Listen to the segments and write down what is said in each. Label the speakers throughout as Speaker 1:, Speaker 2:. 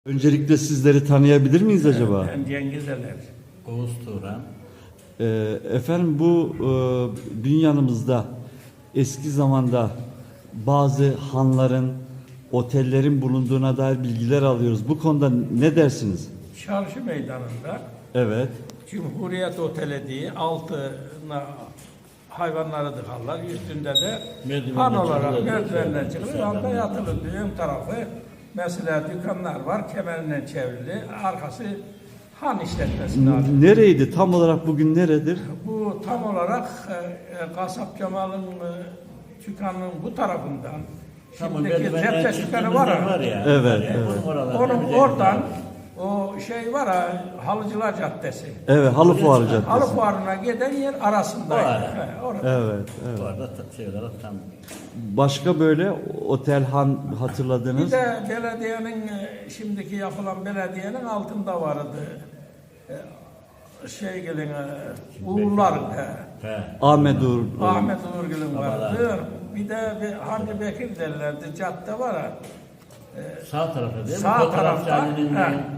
Speaker 1: Öncelikle sizleri tanıyabilir miyiz acaba?
Speaker 2: Ben Cengiz Eler.
Speaker 3: Oğuz Turan.
Speaker 1: Efendim bu dünyanımızda eski zamanda bazı hanların, otellerin bulunduğuna dair bilgiler alıyoruz. Bu konuda ne dersiniz?
Speaker 2: Çarşı meydanında
Speaker 1: Evet.
Speaker 2: Cumhuriyet Oteli diye altına hayvanları dıkarlar. Üstünde de
Speaker 3: Merdivenle
Speaker 2: han olarak
Speaker 3: çıkılır.
Speaker 2: merdivenle çıkılır.
Speaker 3: Dışarıdan
Speaker 2: Anda yatılır. Ön tarafı mesela dükkanlar var. Kemerle çevrili. Arkası han işletmesine ait.
Speaker 1: Nereydi? Tam olarak bugün neredir?
Speaker 2: Bu tam olarak Kasap Kemal'in dükkanının bu tarafından şimdiki cepte dükkanı var ya.
Speaker 1: Evet, evet.
Speaker 2: Onun oradan o şey var ha, Halıcılar Caddesi.
Speaker 1: Evet, Halı Fuarı Caddesi.
Speaker 2: Halı Fuarı'na giden yer arasındaydı.
Speaker 3: O ara.
Speaker 2: Orada.
Speaker 1: Evet, evet.
Speaker 3: Bu arada şey olarak tam
Speaker 1: Başka böyle otel, han
Speaker 2: Bir
Speaker 1: hatırladınız?
Speaker 2: de belediyenin şimdiki yapılan belediyenin altında vardı. Şey gelin Uğurlar.
Speaker 3: he.
Speaker 1: Ahmet Uğur.
Speaker 2: Ahmet Uğurgül'ün vardı.
Speaker 3: Babalar.
Speaker 2: Bir de Hamdi Bekir derlerdi. Cadde var ha.
Speaker 3: Sağ tarafta değil mi?
Speaker 2: Sağ
Speaker 3: Fotoğraf
Speaker 2: tarafta
Speaker 3: sahnenin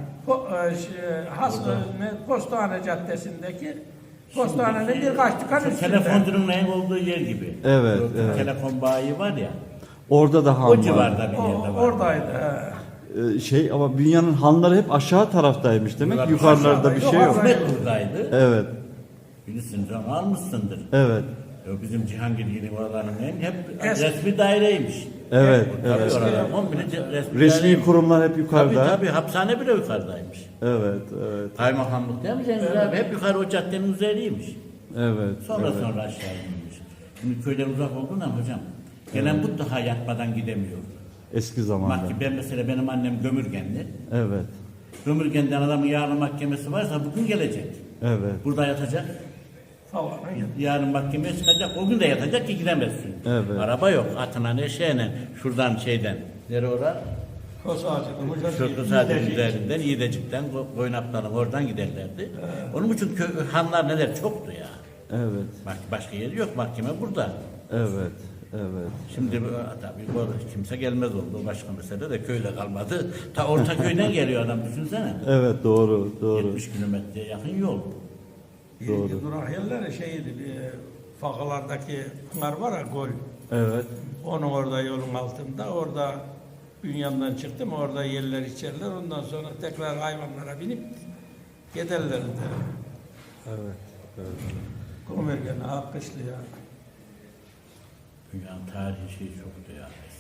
Speaker 2: Postane Caddesi'ndeki postanenin birkaç dükkan üstünde.
Speaker 3: telefoncunun neyin olduğu yer gibi.
Speaker 1: Evet,
Speaker 3: O
Speaker 1: evet.
Speaker 3: Telefon bayi var ya.
Speaker 1: Orada da han
Speaker 3: O
Speaker 1: var.
Speaker 3: civarda bir yerde var.
Speaker 2: Oradaydı.
Speaker 1: Ama dünyanın hanları hep aşağı taraftaymış demek.
Speaker 3: Bunlar
Speaker 1: Yukarılarda bir şey yok.
Speaker 3: Ahmet buradaydı.
Speaker 1: Evet,
Speaker 3: Bilirsin canım almışsındır.
Speaker 1: evet,
Speaker 3: Bizim Cihangirgil'in oralarının hep
Speaker 2: Eski.
Speaker 3: resmi daireymiş.
Speaker 1: evet,
Speaker 3: Tabii
Speaker 1: evet.
Speaker 3: oralar 10 bine resmi
Speaker 1: Resmi
Speaker 3: daireymiş.
Speaker 1: kurumlar hep yukarıda.
Speaker 3: Tabii hapishane bile yukarıdaymış.
Speaker 1: Evet, evet,
Speaker 3: Kaymakamlık değil mi Cengiz abi? Hep yukarı o caddenin üzeriymiş.
Speaker 1: evet.
Speaker 3: Sonra
Speaker 1: evet.
Speaker 3: sonra aşağı inmiş. Şimdi köyden uzak olduğundan hocam, gelen mutlaka yatmadan gidemiyor.
Speaker 1: Eski zamanda.
Speaker 3: Ben mesela benim annem Gömürgenli.
Speaker 1: Evet,
Speaker 3: Gömürgen'den adamın yarın mahkemesi varsa bugün gelecek.
Speaker 1: evet,
Speaker 3: Burada yatacak.
Speaker 2: Falan.
Speaker 3: Yarın mahkemeye çıkacak. O gün de yatacak ki gidemezsin.
Speaker 1: Evet.
Speaker 3: Araba yok. Atına ne şeyle. Şuradan şeyden. Nere ora?
Speaker 2: Kos ağacının
Speaker 3: Şu Kısade'nin üzerinden, İyidecik'ten, Koynaplar'ın oradan giderlerdi. Onun için hanlar neler çoktu ya.
Speaker 1: evet,
Speaker 3: Bak başka yeri yok. Mahkeme burada.
Speaker 1: evet, evet.
Speaker 3: Şimdi tabii bu kimse gelmez oldu. O başka mesele de köyle kalmadı. Ta Ortaköy'den geliyor adam düşünsene.
Speaker 1: Evet, doğru, doğru.
Speaker 3: 70 kilometreye yakın yol.
Speaker 1: Doğru.
Speaker 2: İlgi durak yerleri şeydi, Fakalardaki pınar var ya, gol.
Speaker 1: Evet,
Speaker 2: Onun orada yolun altında, orada Bünyan'dan çıktım, orada yerler içerler. Ondan sonra tekrar hayvanlara binip giderlerdi.
Speaker 1: evet, evet.
Speaker 2: Komergen, Akkışlı ya.
Speaker 3: Dünyanın tarihi şey çoktu ya.